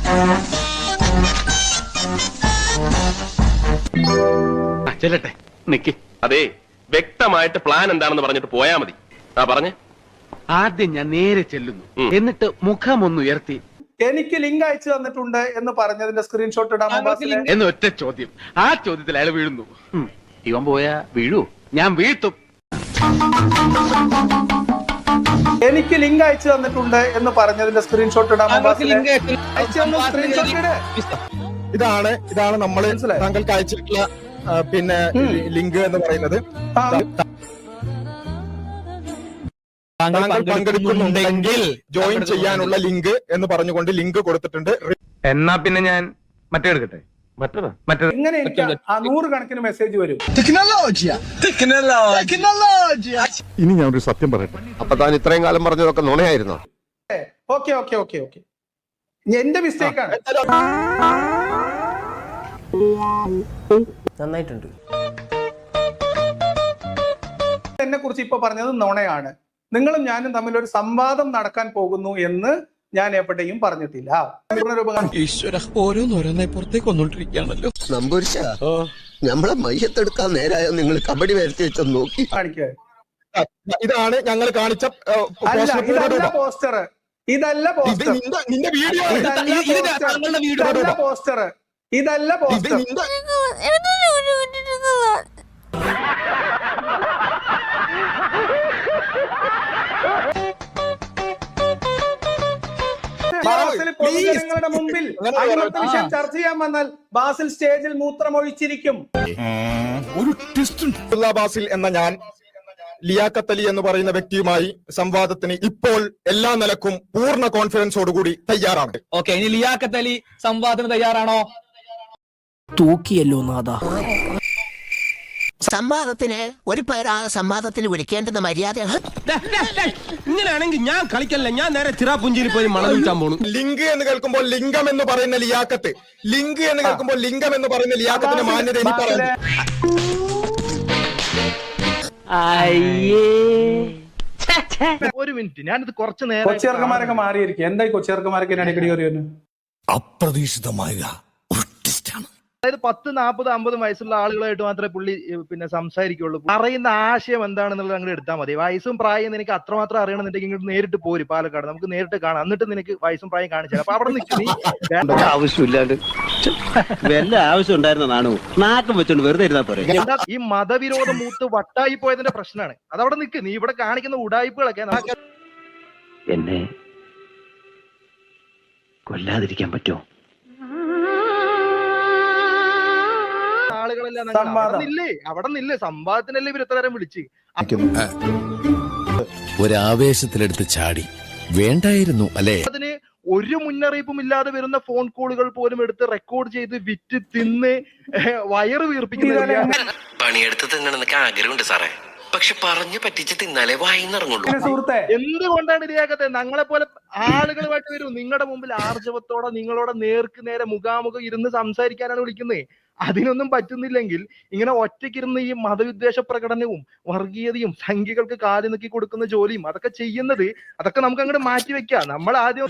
ചെല്ലട്ടെ, നിക്ക്. അതെ, വ്യക്തമായിട്ട് പ്ലാൻ എന്താണെന്ന് പറഞ്ഞിട്ട് പോയാ മതി. പറഞ്ഞേ. ആദ്യം ഞാൻ നേരെ ചെല്ലുന്നു, എന്നിട്ട് മുഖം ഒന്ന് ഉയർത്തി എനിക്ക് ലിങ്ക് അയച്ചു തന്നിട്ടുണ്ട് എന്ന് പറഞ്ഞതിന്റെ സ്ക്രീൻഷോട്ട് ഇടാമോ? എന്ന് ഒറ്റ ചോദ്യം. ആ ചോദ്യത്തിൽ അയാൾ വീഴുന്നു. ഇവൻ പോയാ വീഴൂ? ഞാൻ വീഴ്ത്തും. എനിക്ക് ലിങ്ക് അയച്ചു തന്നിട്ടുണ്ട് എന്ന് പറഞ്ഞതിന്റെ സ്ക്രീൻഷോട്ട് ഇടാമോ? ഇതാണ് നമ്മൾ താങ്കൾക്ക് അയച്ചിട്ടുള്ള പിന്നെ ലിങ്ക് എന്ന് പറയുന്നത്. താങ്കൾ പങ്കെടുക്കുന്നുണ്ടെങ്കിൽ ജോയിൻ ചെയ്യാനുള്ള ലിങ്ക് എന്ന് പറഞ്ഞുകൊണ്ട് ലിങ്ക് കൊടുത്തിട്ടുണ്ട്. എന്നാ പിന്നെ ഞാൻ മറ്റേ എടുക്കട്ടെ. ഇങ്ങനെ എനിക്ക് 100 കണക്കിന് മെസ്സേജ് വരും. ഇനി ഞാനൊരു സത്യം പറയട്ടെ. അപ്പൊ താൻ ഇത്രയും കാലം പറഞ്ഞതൊക്കെ നുണയായിരുന്നോ? ഓക്കെ എന്റെ മിസ്റ്റേക്കാണ്. നന്നായിട്ടുണ്ട്. എന്നെ കുറിച്ച് ഇപ്പൊ പറഞ്ഞത് നുണയാണ്. നിങ്ങളും ഞാനും തമ്മിൽ ഒരു സംവാദം നടക്കാൻ പോകുന്നു എന്ന് ഞാൻ എവിടെയും പറഞ്ഞിട്ടില്ല. നമ്മളെ മയ്യത്തെടുക്കാൻ നേരായോ നിങ്ങൾ കബഡി വരുത്തി വെച്ചോ നോക്കി കാണിക്കുക. ഇതാണ് ഞങ്ങൾ കാണിച്ച പോസ്റ്റർ. ഇതല്ല പോസ്റ്റർ. ബാസിൽ പൊതുജനങ്ങളുടെ മുമ്പിൽ അടിമത്ത വിഷയം ചർച്ച ചെയ്യാൻ വന്നാൽ ബാസിൽ സ്റ്റേജിൽ മൂത്രമൊഴിച്ചിരിക്കും. ബാസിൽ എന്ന ഞാൻ ലിയാഖത്ത് അലി എന്ന് പറയുന്ന വ്യക്തിയുമായി സംവാദത്തിന് ഇപ്പോൾ എല്ലാ നിലക്കും പൂർണ്ണ കോൺഫിഡൻസോടുകൂടി തയ്യാറാണ്. ഓക്കെ, ഇനി ലിയാഖത്ത് അലി സംവാദത്തിന് തയ്യാറാണോ? തൂക്കിയല്ലോ നാദാ. സംവാദത്തിന് ഒരു പേര് സംവാദത്തിന് വിളിക്കേണ്ടുന്ന മര്യാദയാണ്. ഇങ്ങനെയാണെങ്കിൽ ഞാൻ കളിക്കല്ല, ഞാൻ നേരെ ചിറാപുഞ്ചിയിൽ പോയി മണം വിൽക്കാൻ പോണു. ലിങ്ക് എന്ന് കേൾക്കുമ്പോൾ ലിംഗം എന്ന് പറയുന്ന ലിയാഖത്ത്, ലിങ്ക് എന്ന് കേൾക്കുമ്പോൾ ലിംഗം എന്ന് പറയുന്ന ലിയാഖത്തിന്റെ മാന്യത ഇനി പറയുന്നു. ഒരു മിനിറ്റ്, ഞാനിത് കുറച്ച് നേരം. കൊച്ചിയർക്കന്മാരൊക്കെ മാറിയിരിക്കും. എന്തായി കൊച്ചിയർക്കന്മാരൊക്കെ അടിക്കടി കയറിയൊന്നു? അപ്രതീക്ഷിതമായ അതായത് 10, 40, 50 വയസ്സുള്ള ആളുകളായിട്ട് മാത്രമേ പുള്ളി പിന്നെ സംസാരിക്കുള്ളൂ. പറയുന്ന ആശയം എന്താണെന്നുള്ളത് അങ്ങോട്ട് എടുത്താൽ മതി. വയസ്സും പ്രായം നിനക്ക് അത്രമാത്രം അറിയണമെന്നുണ്ടെങ്കിൽ ഇങ്ങോട്ട് നേരിട്ട് പോര് പാലക്കാട്, നമുക്ക് നേരിട്ട് കാണാം. എന്നിട്ട് നിനക്ക് വയസ്സും പ്രായം കാണിച്ചാൽ അപ്പൊ അവിടെ നിൽക്കുന്ന ആവശ്യമില്ലാണ്ട് വല്ല ആവശ്യം ഉണ്ടായിരുന്നതാണോ? നാക്കം വെച്ചോണ്ട് വെറുതെ ഇരുന്നാ പോരെ. ഈ മതവിരോധം മൂത്ത് വട്ടായി പോയതിന്റെ പ്രശ്നമാണ്. അതവിടെ നിൽക്ക്. നീ ഇവിടെ കാണിക്കുന്ന ഉടായ്പകളൊക്കെ എന്നെ കൊല്ലാതിരിക്കാൻ പറ്റുമോ? അവിടെ നില്ലേ സംവാദത്തിനല്ലേ ഇവർ ഇത്രയും വിളിച്ച് ഒരാവേശത്തിലെടുത്ത് ചാടി വേണ്ടായിരുന്നു അല്ലേ? അതിന് ഒരു മുന്നറിയിപ്പും ഇല്ലാതെ വരുന്ന ഫോൺ കോളുകൾ പോലും എടുത്ത് റെക്കോർഡ് ചെയ്ത് വിറ്റ് തിന്ന് വയറ് വീർപ്പിക്കുന്ന പണിയെടുത്ത് തിന്നണമെന്നൊക്കെ ആഗ്രഹമുണ്ട് സാറേ, പക്ഷെ പറഞ്ഞു പറ്റിച്ച് തിന്നാലേ വായിന്നിറങ്ങുള്ളൂ. എന്തുകൊണ്ടാണ് ഇരയാക്കത്തെ? ഞങ്ങളെ പോലെ ആളുകളുമായിട്ട് വരും നിങ്ങളുടെ മുമ്പിൽ ആർജവത്തോടെ നിങ്ങളോട് നേർക്ക് നേരെ മുഖാമുഖം ഇരുന്ന് സംസാരിക്കാനാണ് വിളിക്കുന്നത്. അതിനൊന്നും പറ്റുന്നില്ലെങ്കിൽ ഇങ്ങനെ ഒറ്റയ്ക്കിരുന്ന് ഈ മതവിദ്വേഷ പ്രകടനവും വർഗീയതയും സംഖ്യകൾക്ക് കാലി നോക്കി കൊടുക്കുന്ന ജോലിയും അതൊക്കെ ചെയ്യുന്നത്, അതൊക്കെ നമുക്ക് അങ്ങോട്ട് മാറ്റി വെക്കാം. നമ്മൾ ആദ്യം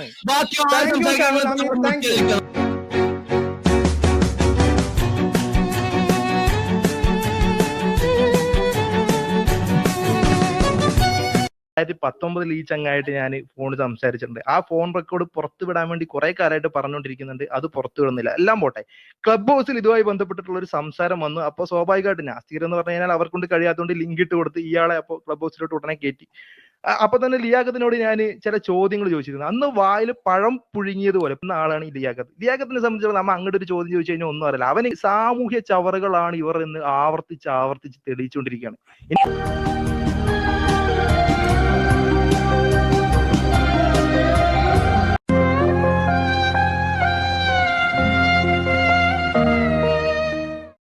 ിൽ ഈ ചങ്ങായിട്ട് ഞാൻ ഫോൺ സംസാരിച്ചിട്ടുണ്ട്. ആ ഫോൺ റെക്കോർഡ് പുറത്തു വിടാൻ വേണ്ടി കുറെ കാലമായിട്ട് പറഞ്ഞുകൊണ്ടിരിക്കുന്നുണ്ട്. അത് പുറത്തു വിടുന്നില്ല. എല്ലാം പോട്ടെ, ക്ലബ് ഹൗസിൽ ഇതുമായി ബന്ധപ്പെട്ടിട്ടുള്ള ഒരു സംസാരം വന്നു. അപ്പോൾ സ്വാഭാവികമായിട്ട് നാസ്തികർ എന്ന് പറഞ്ഞു കഴിഞ്ഞാൽ അവർക്കൊണ്ട് കഴിയാത്തതുകൊണ്ട് ലിങ്ക് ഇട്ട് കൊടുത്ത് ഇയാളെ അപ്പോൾ ക്ലബ് ഹൗസിലോട്ട് ഉടനെ കയറ്റി. അപ്പൊ തന്നെ ലിയാഖത്തിനോട് ഞാൻ ചില ചോദ്യങ്ങൾ ചോദിച്ചിരുന്നു. അന്ന് വായിൽ പഴം പുഴുങ്ങിയതുപോലെ എന്ന ആളാണ് ഈ ലിയാഖത്ത്. ലിയാഖത്തിനെ സംബന്ധിച്ചിടത്തോളം നമ്മ അങ്ങോട്ട് ഒരു ചോദ്യം ചോദിച്ചു കഴിഞ്ഞാൽ ഒന്നും അറിയില്ല. അവന് സാമൂഹ്യ ചവറുകളാണ് ഇവർ എന്ന് ആവർത്തിച്ച് തെളിയിച്ചുകൊണ്ടിരിക്കുകയാണ്.